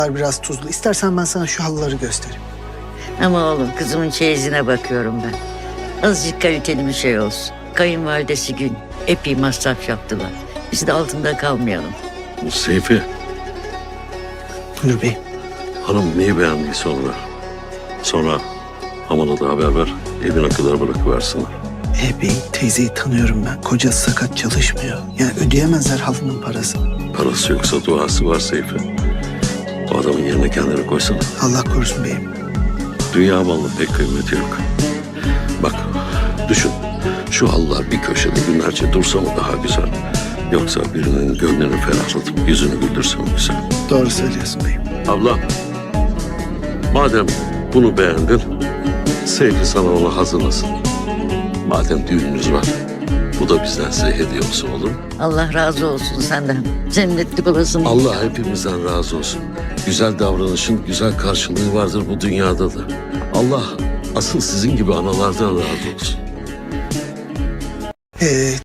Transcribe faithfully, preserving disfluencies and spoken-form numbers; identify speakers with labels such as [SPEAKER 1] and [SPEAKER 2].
[SPEAKER 1] Biraz tuzlu. İstersen ben sana şu halıları göstereyim.
[SPEAKER 2] Ama oğlum kızımın çeyizine bakıyorum ben. Azıcık kaliteli bir şey olsun. Kayınvalidesi Gün epey masraf yaptılar. Biz de altında kalmayalım.
[SPEAKER 3] Seyfi,
[SPEAKER 1] Buyur beyim.
[SPEAKER 3] hanım neyi beğendiyse onu ver. Sonra Aman'a da haber ver, evine kadar bırakıversinler.
[SPEAKER 1] E beyim, teyzeyi tanıyorum ben. Kocası sakat, çalışmıyor. Yani ödeyemezler halının parasını.
[SPEAKER 3] Parası yoksa duası var Seyfi. O adamın yerine kendini koysana.
[SPEAKER 1] Allah korusun beyim.
[SPEAKER 3] Dünya malının pek kıymeti yok. Bak, düşün. Şu halılar bir köşede günlerce dursa mı daha güzel? Yoksa birinin gönlünü ferahlatıp yüzünü güldürse mi güzel?
[SPEAKER 1] Doğru söylüyorsun beyim.
[SPEAKER 3] Abla, madem bunu beğendin, Seyfi sana onu hazırlasın. Madem düğününüz var, bu da bizden size hediye olsun, olur mu?
[SPEAKER 2] Allah razı olsun senden. Cennetlik olasın.
[SPEAKER 3] Allah hepimizden razı olsun. Güzel davranışın güzel karşılığı vardır bu dünyada da. Allah asıl sizin gibi analardan razı olsun.
[SPEAKER 1] Ee,